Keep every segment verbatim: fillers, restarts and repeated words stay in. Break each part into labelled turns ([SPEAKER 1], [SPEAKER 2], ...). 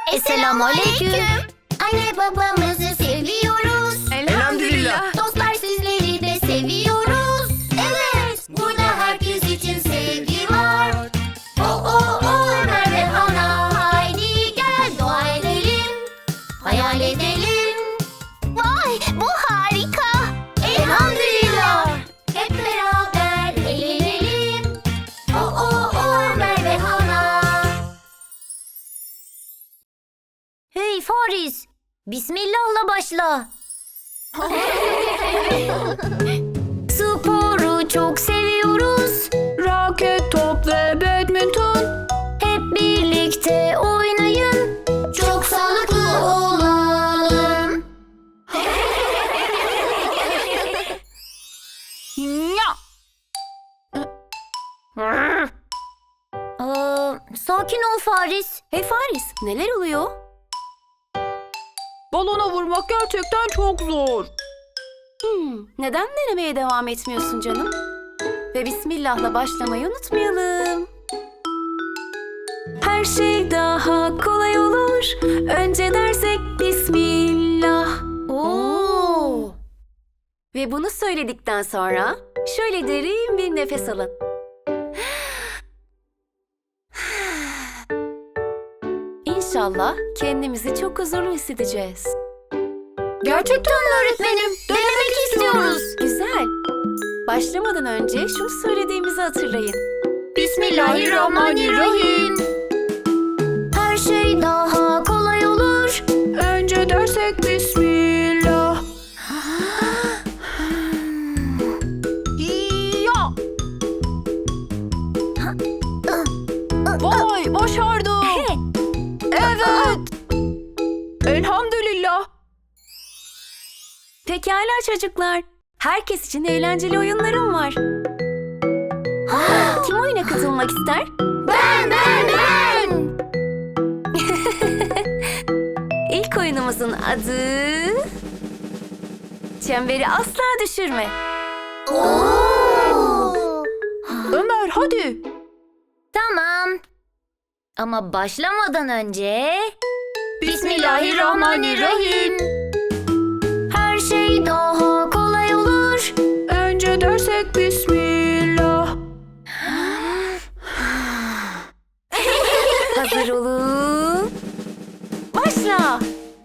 [SPEAKER 1] Esselamu aleyküm. Anne babamızı seviyoruz.
[SPEAKER 2] Elhamdülillah.
[SPEAKER 1] Dostlar sizleri de seviyoruz. Evet, burada herkes için sevgi var. O o o Ömer ve Hana. Haydi gel dua edelim. Hayal edelim. Vay, bu harika. Elhamdülillah. Hep beraber eğlenelim. O o o Ömer ve Hana. Hey Faris, Bismillah'la başla. Sporu çok seviyoruz.
[SPEAKER 2] Raket, top ve badminton.
[SPEAKER 1] Hep birlikte oynayın. Çok sağlıklı olalım.
[SPEAKER 2] Ya.
[SPEAKER 1] Aa, sakin ol Faris.
[SPEAKER 3] Hey Faris, neler oluyor?
[SPEAKER 2] Balona vurmak gerçekten çok zor.
[SPEAKER 3] Hmm, neden denemeye devam etmiyorsun canım? Ve Bismillah'la başlamayı unutmayalım. Her şey daha kolay olur. Önce dersek Bismillah.
[SPEAKER 1] Oo.
[SPEAKER 3] Ve bunu söyledikten sonra şöyle derin bir nefes alın. İnşallah kendimizi çok huzurlu hissedeceğiz.
[SPEAKER 1] Gerçekten mi öğretmenim? Denemek istiyoruz.
[SPEAKER 3] Güzel. Başlamadan önce şunu söylediğimizi hatırlayın.
[SPEAKER 1] Bismillahirrahmanirrahim. Her şey daha kolay olur.
[SPEAKER 2] Önce dersek Bismillah. Ya. Vay, başardım. Evet. Elhamdülillah.
[SPEAKER 3] Pekala çocuklar. Herkes için eğlenceli oyunlarım var. Kim oyuna katılmak ister?
[SPEAKER 1] Ben, ben, ben.
[SPEAKER 3] İlk oyunumuzun adı... Çemberi asla düşürme.
[SPEAKER 1] Oo.
[SPEAKER 2] Ömer hadi.
[SPEAKER 1] Tamam. Ama başlamadan önce...
[SPEAKER 2] Bismillahirrahmanirrahim.
[SPEAKER 1] Her şey daha kolay olur.
[SPEAKER 2] Önce dersek Bismillah.
[SPEAKER 3] Hazır olun. Başla.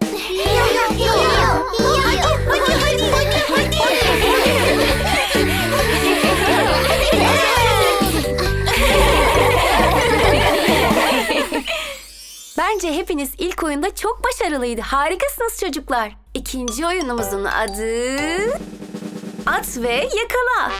[SPEAKER 3] Bence hepiniz ilk oyunda çok başarılıydı. Harikasınız çocuklar. İkinci oyunumuzun adı... At ve yakala.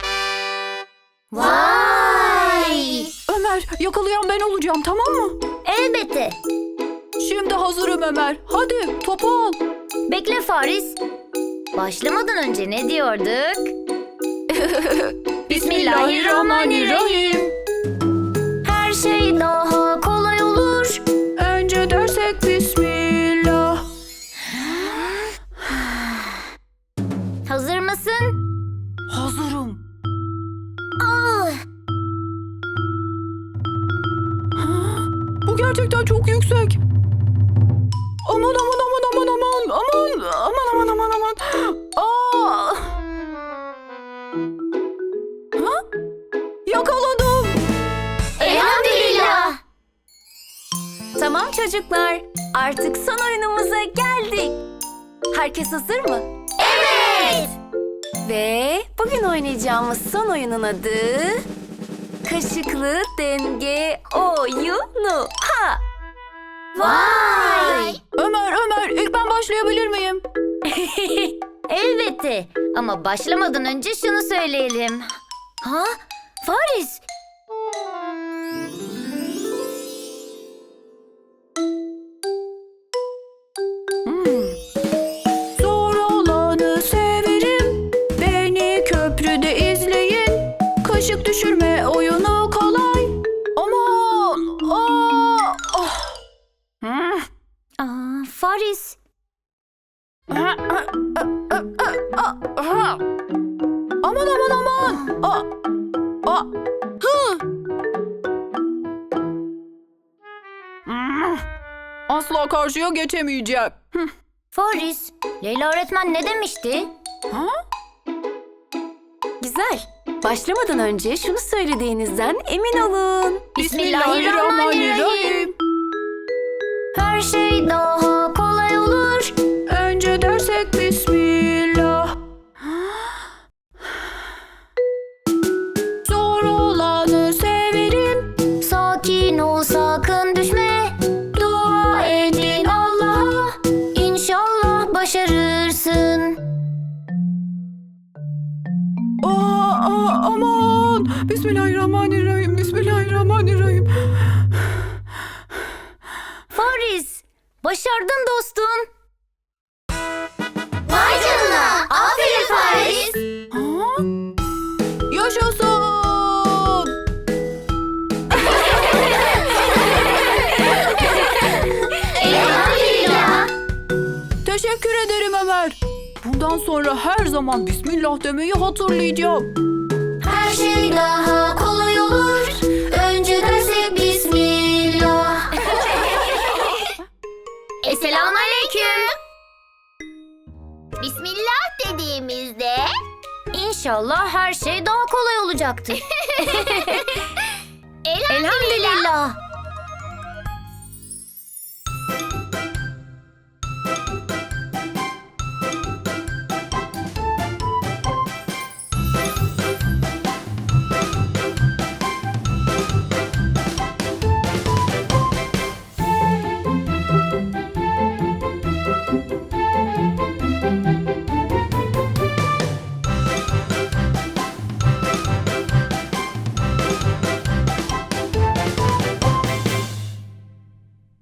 [SPEAKER 1] Vay!
[SPEAKER 2] Ömer, yakalayan ben olacağım, tamam mı?
[SPEAKER 1] Elbette.
[SPEAKER 2] Şimdi hazırım Ömer. Hadi topu al.
[SPEAKER 1] Bekle Faris. Başlamadan önce ne diyorduk?
[SPEAKER 2] Bismillahirrahmanirrahim.
[SPEAKER 1] Her şey daha kolay olur.
[SPEAKER 2] Önce dersek Bismillah.
[SPEAKER 1] Hazır mısın?
[SPEAKER 2] Hazırım.
[SPEAKER 1] Ah!
[SPEAKER 2] Bu gerçekten çok yüksek. Aman aman aman aman aman aman aman aman aman aman. Aa! Ha? Yakaladım.
[SPEAKER 1] Elhamdülillah.
[SPEAKER 3] Tamam çocuklar. Artık son oyunumuza geldik. Herkes hazır mı?
[SPEAKER 1] Evet.
[SPEAKER 3] Ve bugün oynayacağımız son oyunun adı... Kaşıklı denge oyunu. Ha!
[SPEAKER 1] Vay!
[SPEAKER 2] Ömer Ömer ilk ben başlayabilir miyim?
[SPEAKER 1] Elbette. Ama başlamadan önce şunu söyleyelim. Ha? Faris.
[SPEAKER 2] Zor olanı severim. Beni köprüde izleyin. Kaşık düşürme oyunu kolay. Aman! Aa! Ah! Hmm.
[SPEAKER 1] Aa, Faris.
[SPEAKER 2] Ah, ah, ah, ah, ah, ah. Aman aman aman! Aa! Aa! Hı! Hmm. asla karşıya geçemeyecek. Hı.
[SPEAKER 1] Faris, Leyla öğretmen ne demişti?
[SPEAKER 2] Ha?
[SPEAKER 3] Güzel. Başlamadan önce şunu söylediğinizden emin olun.
[SPEAKER 2] Bismillahirrahmanirrahim.
[SPEAKER 1] Her şey daha kolay olur.
[SPEAKER 2] Önce dersek Bismillah. Zor olanı severim.
[SPEAKER 1] Sakin ol, sakın düşme. Dua edin Allah'a. İnşallah başarırsın.
[SPEAKER 2] Aa, aa, aman. Bismillahirrahmanirrahim. Bismillahirrahmanirrahim.
[SPEAKER 1] Faris, başardın dostum. Vay canına, aferin Faris.
[SPEAKER 2] Ha? Yaşasın.
[SPEAKER 1] Elhamdülillah.
[SPEAKER 2] Teşekkür ederim Ömer. Bundan sonra her zaman Bismillah demeyi hatırlayacağım.
[SPEAKER 1] Her şey daha kolay olur. Önce dersek Bismillah. Esselamu aleyküm. Bismillah dediğimizde İnşallah her şey daha kolay olacaktır. Elhamdülillah.